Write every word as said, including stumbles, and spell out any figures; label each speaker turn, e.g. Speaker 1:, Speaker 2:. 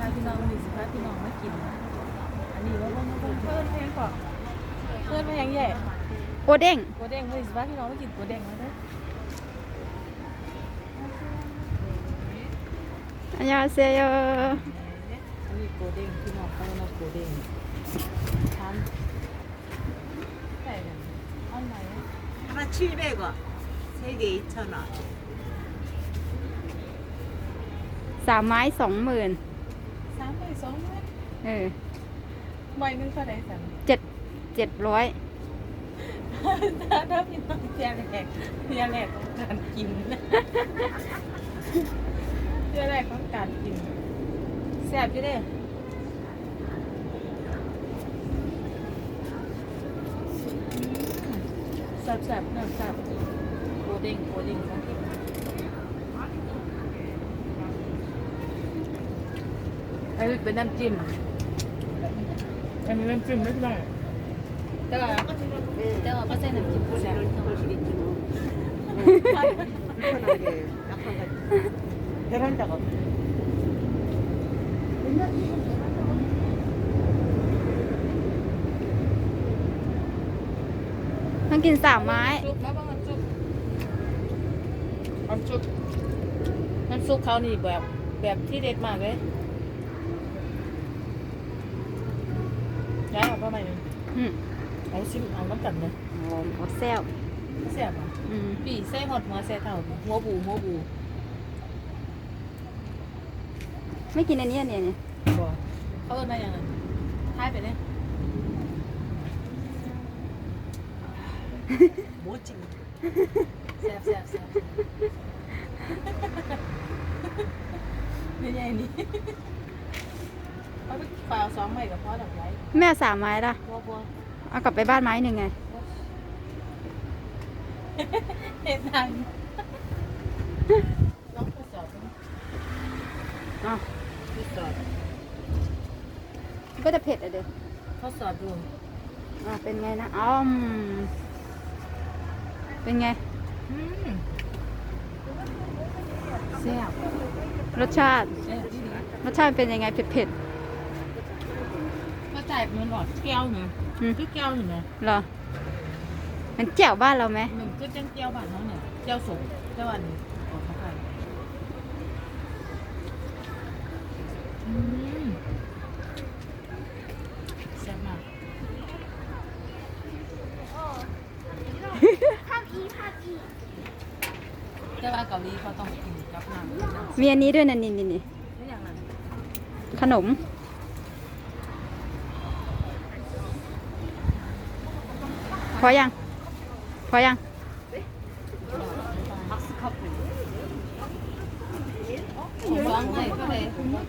Speaker 1: พี่น้องวันนี้สิพาพี่น้องมากินอันนี้ว่าเพิ่นเพิ่นแพงกว่าเพิ่นแพงใหญ่
Speaker 2: โกเด้ง
Speaker 1: กัวเด้งวันนี้สิพาพี่น้องมากินกัวเด้งมาเด้อ
Speaker 2: อันยาเซโย
Speaker 1: อันนี้กัวเด้งพี่น้องเขาเรียกว่ากัวเด้งทานใส่กันอันไหน
Speaker 3: 하나 칠백 원, 세 개 이천 원.
Speaker 2: สามไม้สองหมื่น
Speaker 1: สามใบสองใบ
Speaker 2: เออ
Speaker 1: ใบหนึงเท่าไหร่สั่ง
Speaker 2: เจ็ดเจ็ดร้อย
Speaker 1: ถ้าถ้าพี่น้องเทียแรกเทียแรกของการกินนะเทียแรกของการกินแซ่บอยู่เด้แซ่บแซ่บน้ำแซ่บโกเด้งโกเด้งของกินอันนี้เป็นน้ำจิ้มอันนี้น้ำจิ้มไม่ได้แต่ว่าแต่ว่าก็ใส่น้ำจิ้มแซ่บ
Speaker 3: 보시겠지 뭐. 불편하게 약간 베란다가
Speaker 2: ต้องกินสามไม้
Speaker 1: ซุปแล้วบ้างน้ำซุปน้ำซุปน้ำซุปเขานี่แบบแบบที่เด็ดมากเลยย้ายออกมาใหม่หนึ่ง
Speaker 2: อืม
Speaker 1: เอาชิมเอาน้ำกันเลย
Speaker 2: โอ้โหแซว
Speaker 1: แซ่บอ่ะ
Speaker 2: อืม
Speaker 1: ปีใส่หอดหัวใส่เท่าหัวบูหัวบู
Speaker 2: ไม่กินอันนี้อันนี้เนี่ย
Speaker 1: บ่เขาเอิ้นมาอย่างนั้นทายไปเลย
Speaker 3: 뭐지?
Speaker 1: แซ่บแซ่บแซ่บนี่ไงนี่เอาไปเปล่าสองใบกับพ่อดอกไว้
Speaker 2: แม่สามไม้ละ
Speaker 1: บัวบัว
Speaker 2: เอากลับไปบ้านไม้หนึ่งไง
Speaker 1: เห็นทางลองทดสอบดู
Speaker 2: อ๋อ
Speaker 1: ทดสอบ
Speaker 2: ก็จะเผ็ดอะเด้อ
Speaker 1: ทดสอบดู
Speaker 2: อ่าเป็นไงนะอ๋อมเป็นไง
Speaker 1: อืมแซ่บ
Speaker 2: รสชาติ
Speaker 1: แซ่บดี
Speaker 2: รสชาติเป็นยังไงเผ็ดเผ็ด
Speaker 1: ก็จ่ายมันหลอดแก้วนะ
Speaker 2: ๆอืม
Speaker 1: คือแก้วเห็นไหม
Speaker 2: เหรอมันแจ่วบ้านเราไหม
Speaker 1: มันคือจังแก้วบ้านเขาเนี่ยแก้วสมแก้วอันนี้ออกมาไปอืมแซ่บมากแต่ว่าเกาหลีเขาต้องกินกับน้ำ
Speaker 2: มีอันนี้ด้วยนะนี่นี่นี่
Speaker 1: ไม่อย่างนั้น
Speaker 2: ขนมพอยัง พอยัง
Speaker 1: ผมร้องเลยก็เลย